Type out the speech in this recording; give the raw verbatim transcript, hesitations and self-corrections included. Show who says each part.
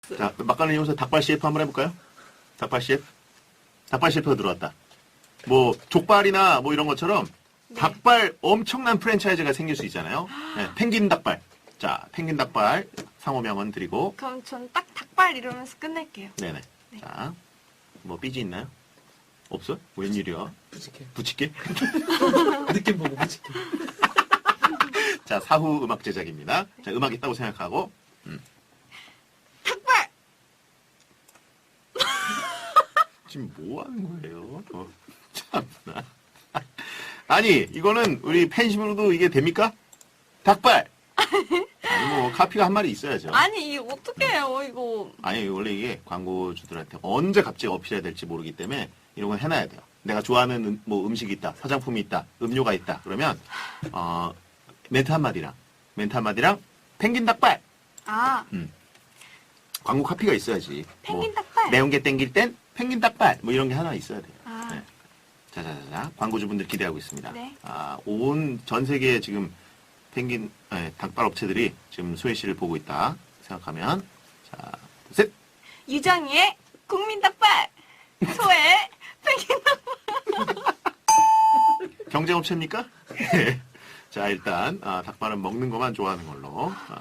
Speaker 1: 자, 막간을 이용해서 닭발 씨에프 한번 해볼까요? 닭발 씨에프? 닭발 씨에프가 들어왔다. 뭐, 족발이나 뭐 이런 것처럼
Speaker 2: 네.
Speaker 1: 닭발 엄청난 프랜차이즈가 생길 수 있잖아요. 네, 펭귄 닭발. 자, 펭귄 닭발 상호명은 드리고.
Speaker 2: 그럼 전 딱 닭발 이러면서 끝낼게요.
Speaker 1: 네네.
Speaker 2: 네.
Speaker 1: 자, 뭐 삐지 있나요? 없어? 웬일이야?
Speaker 3: 부직해.
Speaker 1: 붙일게.
Speaker 3: 느낌 보고 부직해.
Speaker 1: 자, 사후 음악 제작입니다. 자, 음악 있다고 생각하고. 음.
Speaker 2: 닭발!
Speaker 1: 지금 뭐 하는 거예요? 어, 참나. 아니, 이거는 우리 팬심으로도 이게 됩니까? 닭발! 아니, 뭐, 카피가 한 마리 있어야죠.
Speaker 2: 아니, 이거 어떡해요, 이거.
Speaker 1: 아니, 원래 이게 광고주들한테 언제 갑자기 어필해야 될지 모르기 때문에 이런 건 해놔야 돼요. 내가 좋아하는 음, 뭐 음식이 있다, 화장품이 있다, 음료가 있다. 그러면, 어, 멘트 한마디랑, 멘트 한마디랑, 펭귄 닭발!
Speaker 2: 아,
Speaker 1: 광고 카피가 있어야지.
Speaker 2: 펭귄
Speaker 1: 뭐,
Speaker 2: 닭발.
Speaker 1: 매운 게 땡길 땐 펭귄 닭발! 뭐 이런 게 하나 있어야 돼요.
Speaker 2: 아.
Speaker 1: 네. 자자자자, 광고주분들 기대하고 있습니다.
Speaker 2: 네.
Speaker 1: 아, 온 전 세계에 지금 펭귄, 네, 닭발 업체들이 지금 소혜 씨를 보고 있다 생각하면, 자, 셋!
Speaker 2: 유정이의 국민 닭발! 소의 펭귄 닭발!
Speaker 1: 경쟁업체입니까? 네. 자, 일단, 아, 닭발은 먹는 것만 좋아하는 걸로. 아,